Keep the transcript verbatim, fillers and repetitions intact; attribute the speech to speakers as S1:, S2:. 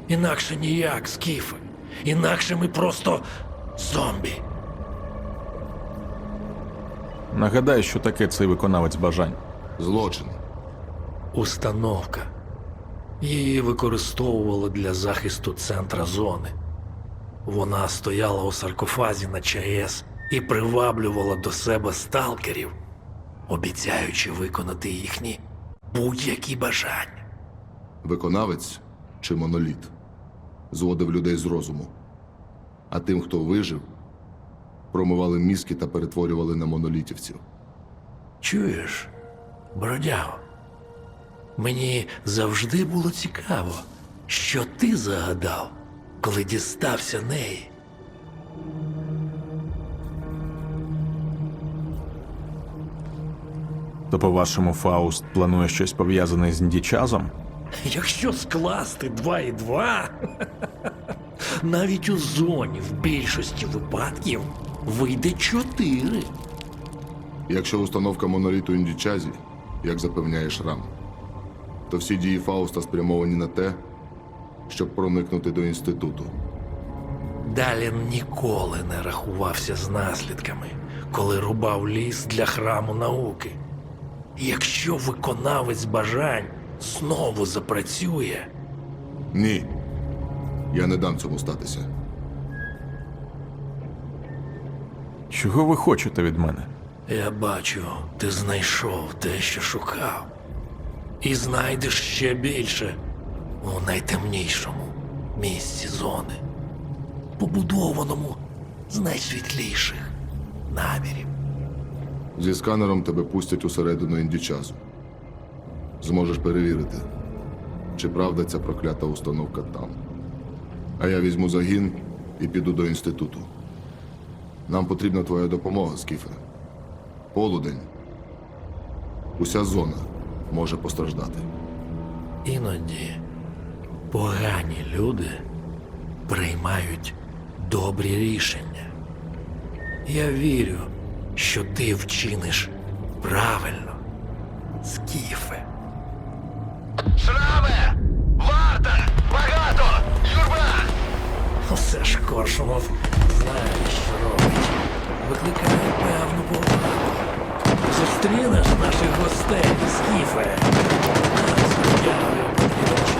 S1: Інакше ніяк, скіфи. Інакше ми просто зомбі.
S2: Нагадай, що таке цей виконавець бажань.
S3: Злочин.
S1: Установка. Її використовували для захисту центра зони. Вона стояла у саркофазі на ЧАЕС і приваблювала до себе сталкерів, обіцяючи виконати їхні будь-які бажання.
S3: Виконавець чи моноліт зводив людей з розуму. А тим, хто вижив, промивали мізки та перетворювали на монолітівців.
S1: Чуєш, бродяго? Мені завжди було цікаво, що ти загадав, коли дістався неї.
S2: То, по-вашому, Фауст планує щось пов'язане з Індічазом?
S1: Якщо скласти два і два, навіть у зоні в більшості випадків вийде чотири.
S3: Якщо установка моноліту у Індічазі, як запевняє Шрам, то всі дії Фауста спрямовані на те, щоб проникнути до інституту.
S1: Далін ніколи не рахувався з наслідками, коли рубав ліс для храму науки. Якщо виконавець бажань знову запрацює,
S3: Ні. Я не дам цьому статися.
S2: Чого ви хочете від мене?
S1: я бачу, ти знайшов те, що шукав. І знайдеш ще більше у найтемнішому місці зони, побудованому з найсвітліших намірів.
S3: Зі сканером тебе пустять усередину Індічазу. Зможеш перевірити, чи правда ця проклята установка там. А я візьму загін і піду до інституту. Нам потрібна твоя допомога, Скіфе. Полудень. Уся зона може постраждати.
S1: Іноді погані люди приймають добрі рішення. Я вірю, що ти вчиниш правильно, Скіфе.
S4: Шраме! Варта! Багато! Юрба!
S1: Усе ж Коршунов знає, що робить. Викликає певну повагу. Зустрінеш наших гостей, Скіфе. Нам з Бродягою потрібен